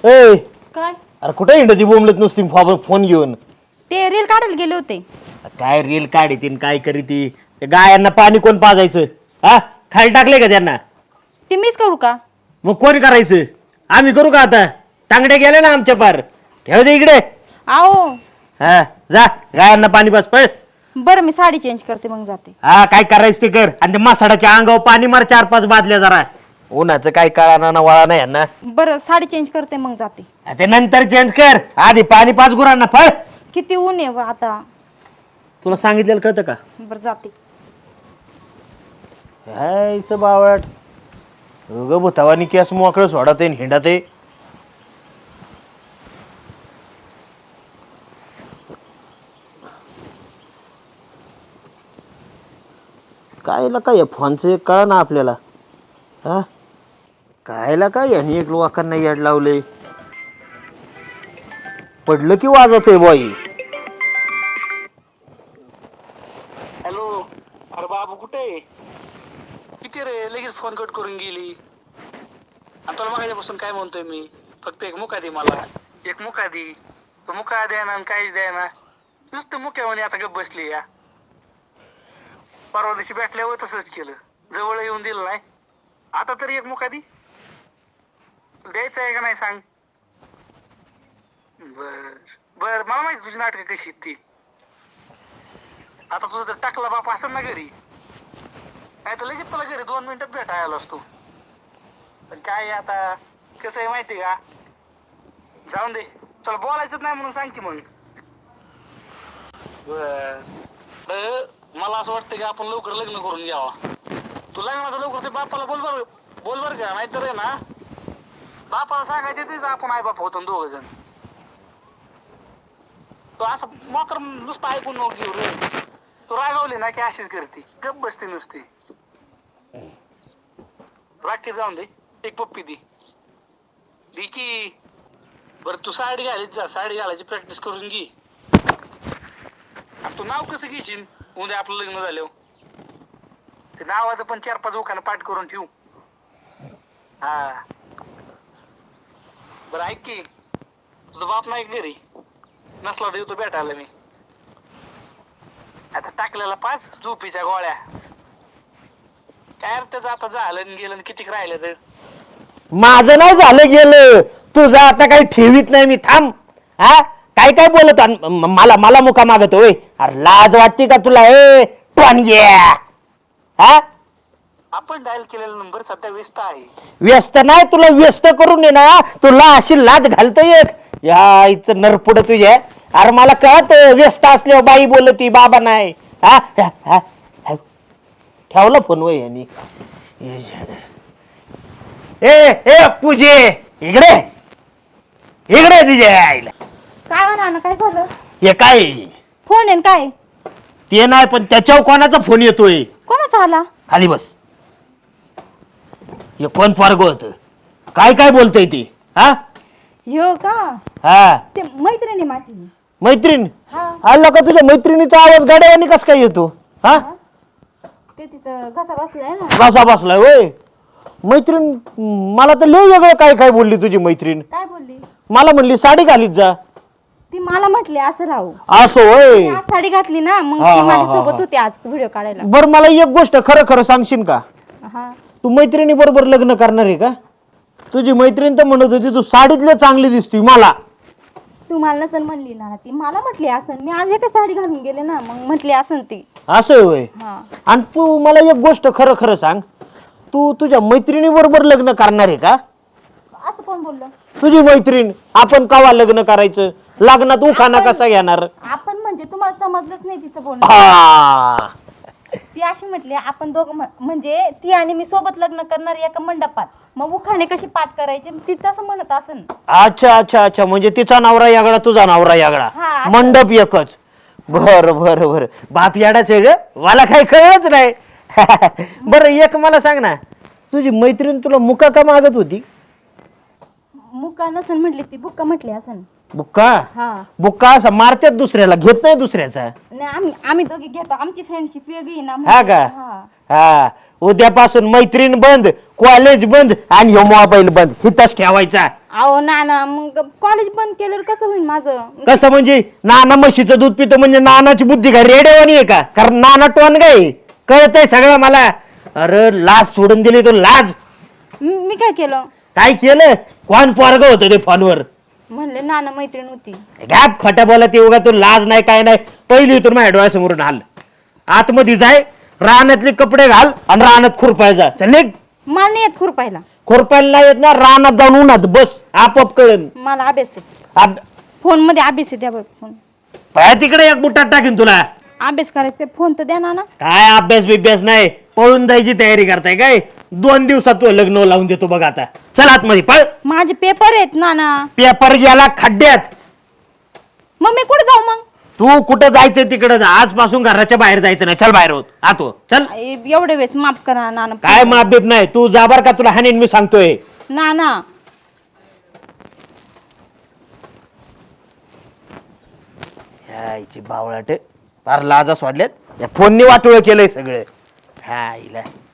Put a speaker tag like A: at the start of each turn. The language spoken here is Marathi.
A: ए
B: काय
A: अरे कुठे हिंडती बोंबलत नुसती फोन घेऊन.
B: ते रील काढायला गेले होते.
A: काय रील काढीतीन काय करीती. गायांना पाणी कोण पाजायचं हा खाली टाकले का त्यांना.
B: ते मीच करू का?
A: मग कोण करायचं आम्ही करू का आता. तांगडे गेले ना आमच्या पार ठेव दे इकडे.
B: आओ
A: हा जा गायांना पाणी पाज पळ.
B: बरं मी साडी चेंज करते मग जाते.
A: हा काय करायचं ते कर आणि ते मसाड्याच्या अंगावर पाणी मार 4-5 बादल्या जरा. उन्हाचं काय कळा ना वळा नाही यांना.
B: बरं साडी चेंज करते मग जाते.
A: ते नंतर चेंज कर आधी पाणी पाच गुरांना फळ.
B: किती ऊन आहे आता.
A: तुला सांगितलेलं कळतं का.
B: बरं जाते.
A: हायचं बावट ग भूतावानी केस मोकळं सोडत आहे हिंडत आहे. कायला काय फोनचं कळ ना आपल्याला. हा कायला काय यांनी एक लोकांना याड लावले. पडलं की वाजत आहे बाई.
C: हॅलो अरे बाबू कुठे किती रे लगेच फोन कट करून गेली. आणि तुला मागायच्यापासून काय म्हणतोय मी फक्त एक मुका दे मला एक मुका दे. तो मुका द्याना आणि काहीच द्याना नुसतं मुक्यामध्ये आता गप बसली या. परवा दिवशी भेटल्यावर तसंच केलं जवळ येऊन दिलं नाही. आता तरी एक मुका दे द्यायचं आहे का नाही सांग. बर बर मला माहिती तुझी नाटकं कशी ती. आता तुझं तर टाकला बाप असेल ना घरी काय तर लगेच तुला घरी 2 मिनिटात भेटायला आलो असतो. पण काय आता कसं आहे माहिती का जाऊन दे तुला बोलायचंच नाही म्हणून सांग की मग. बर मला असं वाटतं की आपण लवकर लग्न करून घ्यावा. तू लग्नाचं लवकर ते बापाला बोल बर का नाहीतर आहे ना बापाला सांगायचे तेच आपण आई बाप होतो 2 जण. तो असं मात्र नुसतं ऐकून नको घेऊ रे. तू रागावली ना की अशीच करते गप बसते नुसती. राखी जाऊन दे एक पप्पी दे की. बरं तू साडी घालीत जा साडी घालायची प्रॅक्टिस करून घे. तू नाव कसं घेशील उद्या आपलं लग्न झाल्यावर. ते नावाचं पण 4-5 उखाणं पाठ करून ठेवू. हा बरं ऐक की तुझा बाप नाही घरी नसला तर येतो भेटायला मी. आता टाकलेला 5 झोपीच्या गोळ्या काय त्याचं आता झालं गेलं किती राहिलं तर.
A: माझं नाही झालं गेलं तुझं आता काही ठेवीत नाही मी थांब. हा काय काय बोलत मला मुका मागतोय. अरे लाज वाटते का तुला ए टोनग्या. हा
C: आपण डायल केलेला नंबर सध्या व्यस्त आहे.
A: व्यस्त नाही तुला व्यस्त करून ये ना तुला अशी लाज घालता येत यायचं नरपुड तुझ्या. अरे मला कळत व्यस्त असल्यावर बाई बोलती बाबा नाही. हा ठेवला फोन वय यांनी. ए पूजे इकडे इकडे तुझ्या आईला.
B: काय म्हणा ना काय झालं.
A: हे काय
B: फोन आहे काय.
A: ते नाही पण त्याच्यावर कोणाचा फोन येतोय.
B: कोणाचा आला.
A: खाली बस. हे कोण पोरग होत काय काय बोलतय ते. हा
B: हो का.
A: हा
B: ते मैत्रिणी माझी.
A: मैत्रीण
B: हा
A: आला का तुझ्या मैत्रिणीचा आवाज गाड्यावानी कस काय येतो. हा
B: ते तिथं घसा बसलाय ना.
A: कसा बसलाय होय. मैत्रीण मला तर लय वेगळं काय काय बोलली तुझी मैत्रीण.
B: काय बोलली.
A: मला म्हणली साडी घालीत जा.
B: ती मला म्हटली असं राहू.
A: असं होय.
B: मी आज साडी घातली ना मग
A: हा,
B: ती
A: हा,
B: माझ्या
A: हा,
B: सोबत
A: हा.
B: होती आज व्हिडिओ काढायला.
A: बर मला एक गोष्ट खरं खरं सांगशील का.
B: हा
A: तू मैत्रिणी बरोबर लग्न करणार आहे का. तुझी मैत्रीण तर म्हणत होती तू साडीतले चांगली दिसती मला.
B: तू मला नसन म्हणली ना ती मला म्हटली असन. मी आज एकच साडी घालून गेले ना मग म्हटली असन ती.
A: असं होय.
B: हा
A: आणि तू मला एक गोष्ट खरं खरं सांग तू तुझ्या मैत्रिणी बरोबर लग्न करणार आहे का.
B: असं कोण बोललं.
A: तुझी मैत्रीण आपण कवा लग्न करायचं लग्नात उखाणा कसा घेणार.
B: आपण म्हणजे तुम्हाला समजलंच नाही तिचं बोलणं.
A: हा
B: ती अशी म्हटली आपण दोघं म्हणजे ती आणि मी सोबत लग्न करणार एका मंडपात मग उखाणे कशी पाठ करायची ती तसं म्हणत असन.
A: अच्छा अच्छा अच्छा म्हणजे तिचा नवरा यागळा तुझा नवरा यागळा
B: हा, असं.
A: मंडप एकच. बर बर बर बाप याडाच आहे ग मला काही कळलंच नाही. बरं एक मला सांग ना तुझी मैत्रीण तुला मुका का मागत होती.
B: मुका नसन म्हटली ती बुक्का म्हटली असन.
A: बुक्का
B: हा
A: बुक्का असं मारत्यात दुसऱ्याला घेत नाही दुसऱ्याचा.
B: नाही आम्ही दोघी घेतो आमची फ्रेंडशिप वेगळी ना
A: हा का
B: हा.
A: हा उद्यापासून मैत्रीण बंद कॉलेज बंद आणि ह्यो मोबाईल बंद हिथंच ठेवायचा.
B: अहो नाना मग कॉलेज बंद केल्यावर कसं होईल माझं?
A: कसं म्हणजे नाना म्हशीचं दूध पितो म्हणजे नानाची बुद्धी का रेडेवानी आहे का? कारण नाना टोन काय कळतंय सगळं मला. अरे लाज सोडून दिली तू लाज.
B: मी काय केलं?
A: काय केलं? कोण पोरग होतं ते फोनवर?
B: म्हणले नाना मैत्रीण होती.
A: गॅप खोट्या बोलत येऊ का तू? लाज नाही काय नाही. पहिली इथून माझ्या डोळ्यासमोरून हाल. आतमध्ये जाय, रानातले कपडे घाल आणि रानात खुरपायचा. चल निघ.
B: मला नाही येत खुरपायला.
A: खुरपायला नाही येत ना, रानात जाऊन उन्हात बस, आपोआप कळन.
B: मला अभ्यास आहे. फोन मध्ये अभ्यास आहे, द्या बरं फोन.
A: पाया तिकडे एक बुटात टाकीन तुला.
B: अभ्यास करायचा फोन तर द्या नाना.
A: काय अभ्यास बिभ्यास नाही, पळून जायची तयारी करताय काय? 2 दिवसात तू लग्न लावून देतो बघ आता. चल आतमध्ये पळ.
B: माझे पेपर आहेत नाना.
A: पेपर गेला खड्ड्यात.
B: मग मी कुठे जाऊ मग?
A: तू कुठं जायचं तिकडे जा. आजपासून घराच्या बाहेर जायचं नाही. चल बाहेर होत आतो चल.
B: एवढे वेळेस माफ करा नाना.
A: काय माप बीप नाही. तू जा बर का, तुला हानीन मी सांगतोय.
B: नाना
A: यायची बावळाट फार लाजा सोडल्यात. या फोननी वाटोळ केलंय सगळं. हा इला